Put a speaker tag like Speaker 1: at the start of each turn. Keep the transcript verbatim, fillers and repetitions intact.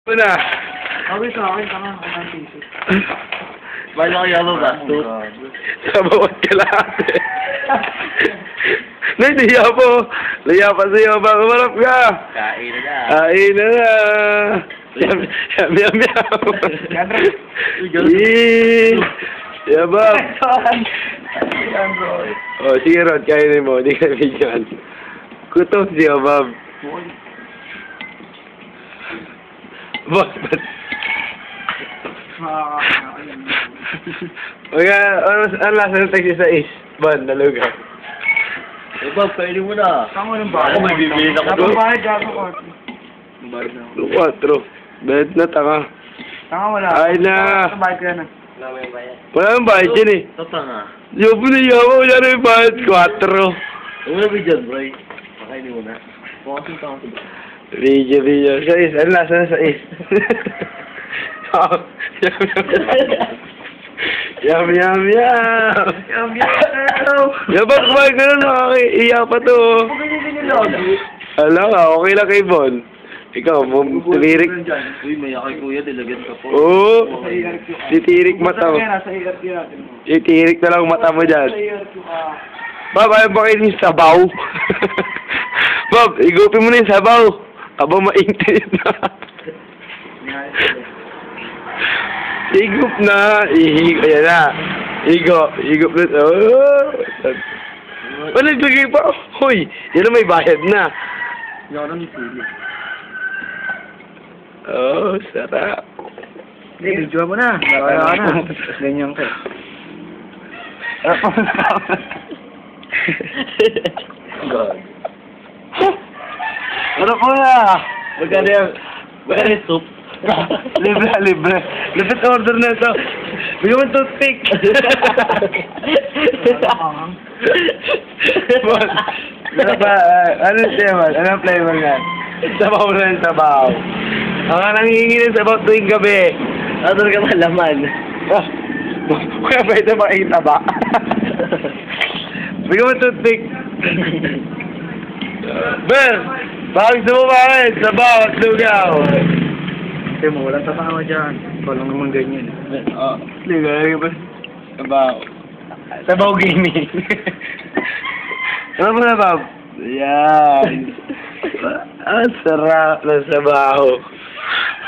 Speaker 1: Una.
Speaker 2: Sabi sa akin, tama ako ng t-shirt.
Speaker 3: Bala ko yaman ba?
Speaker 1: Sa bawat kalahati. Nahiya po. Nahiya pa sa'yo. Baka marap ka.
Speaker 3: Kain na.
Speaker 1: Kain na na. Yam, yam, yam, yam. Eee. Yabab. Oh, sige Rod, kainin mo. Hindi ka bigyan. Kutob si Yabab. Boss, ba't? Mga, ano, ano lasa ng taxi sa is? Ban, nalugaw.
Speaker 3: Eh, Bob, kainin mo na.
Speaker 2: Tama ng bahay.
Speaker 3: Ako may bibili na ko
Speaker 2: Tapos
Speaker 3: doon.
Speaker 2: bahay, gago ko.
Speaker 1: Quatro. Bet na, tanga.
Speaker 2: Tanga wala.
Speaker 1: Ay na.
Speaker 2: Sa bahay ko yan ah.
Speaker 1: Wala nang bayad dyan eh.
Speaker 3: Ito nga.
Speaker 1: Yobo na yawa, wala na yung bayad. Quatro.
Speaker 3: Ano na ba dyan, bro? Pakainin mo na. Pumasin ka ako.
Speaker 1: Video, video. Sa is, ano lasa na sa is? Yum, yum, yum.
Speaker 2: Yum, yum.
Speaker 1: Yabang kumain ka na, nakakaiiyak pa to.
Speaker 2: Huwag ganyan din yung lagi.
Speaker 1: Alam nga, okay lang kay Bon. Ikaw, tumirik.
Speaker 3: Uy, may akay kuya, dilagan ka po.
Speaker 1: Oo. Titirik mata mo.
Speaker 2: Sa E R Q natin.
Speaker 1: Titirik na lang mata mo dyan.
Speaker 2: Sa E R Q ka.
Speaker 1: Bob, ayaw ba kayo yung sabaw? Bob, igupin mo na yung sabaw. Aba, maintinit na. Higup na. Ihigo. Ayan na. Higo. Higup na. Oh. Oh, naglagay pa. Hoy, yan na may bayad na.
Speaker 3: Hindi ako nang ipili.
Speaker 1: Oh, sarap.
Speaker 2: Hindi, video mo na. Wala na. Ganyan ka.
Speaker 3: God.
Speaker 1: Ano po na?
Speaker 3: Magkano yan? Magkano yung soup?
Speaker 1: Libre, libre. Libre order na ito. Bigyan mo toothpick. Bon, ano ba? Uh, ano siya man? Anong flavor nga? Sabaw na yung sabaw. Ang nga nangihingi ng sabaw tuwing gabi.
Speaker 3: Ano talaga malaman?
Speaker 1: Ah, kaya ba ito makikita ba? Bigyan mo toothpick. Ber, bakit gusto mo bakit? Sabaw at lugaw.
Speaker 2: Kasi mo, walang tatama dyan. Ikaw lang naman ganyan.
Speaker 1: Oh, lugaw ba? Sabaw. Sabaw gaming. Ano mo na, Bob? Yan. Ang sarap ng sabaw.